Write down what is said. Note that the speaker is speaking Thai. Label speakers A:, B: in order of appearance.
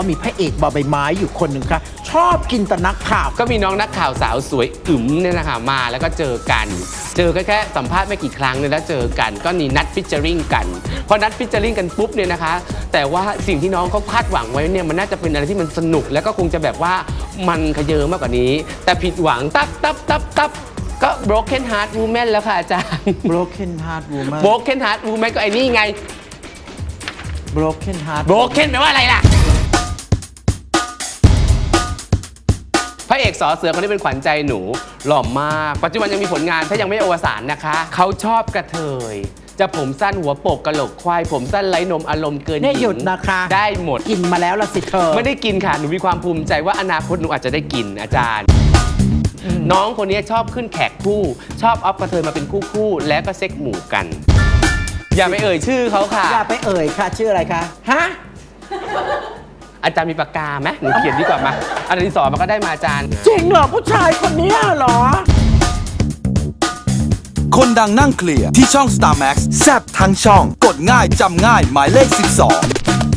A: มีพระเอกบอใบไม้อยู่คนหนึ่งค่ะชอบกินแต่นักข่าว
B: ก็มีน้องนักข่าวสาวสวยอึ๋มเนี่ยนะคะมาแล้วก็เจอกันแค่สัมภาษณ์ไม่กี่ครั้งเนี่ยแล้วเจอกันก็มีนัดฟิชเจอริงกันพอนัดฟิชเจอริงกันปุ๊บเนี่ยนะคะแต่ว่าสิ่งที่น้องเขาคาดหวังไว้เนี่ยมันน่าจะเป็นอะไรที่มันสนุกแล้วก็คงจะแบบว่ามันขยเยอะมากกว่านี้แต่ผิดหวังตับก็ broken heart woman แล้วค่ะอาจารย์
A: broken heart woman
B: broken heart woman ก็ไอ้นี่ไง
A: broken heart
B: broken แปลว่าอะไรล่ะพระเอกสอเสือคนนี้เป็นขวัญใจหนูหล่อมากปัจจุบันยังมีผลงานถ้ายังไม่อวสานนะคะเขาชอบกระเทยจะผมสั้นหัวโปกกะโหลกควายผมสั้นไร้นมอารมณ์เกิน
A: เนี่ยหยุดนะคะ
B: ได้หมด
A: กินมาแล้วละสิเธอ
B: ไม่ได้กินค่ะหนูมีความภูมิใจว่าอนาคตหนูอาจจะได้กินอาจารย์ น้องคนนี้ชอบขึ้นแขกคู่ชอบอัพกระเทยมาเป็นคู่แล้วก็เซ็กหมู่กัน อย่าไปเอ่ยชื่อเขาค่ะ
A: อย่าไปเอ่ยค่ะชื่ออะไรคะฮะ
B: อาจารย์มีปากกาไหมหนูเขียนดีกว่ามาอันนี้สอนมาก็ได้มาอาจารย์
A: จริงเหรอผู้ชายคนนี้เหรอ
C: คนดังนั่งเคลียร์ที่ช่อง Star Max แซบทั้งช่อง กดง่ายจำง่ายหมายเลข 12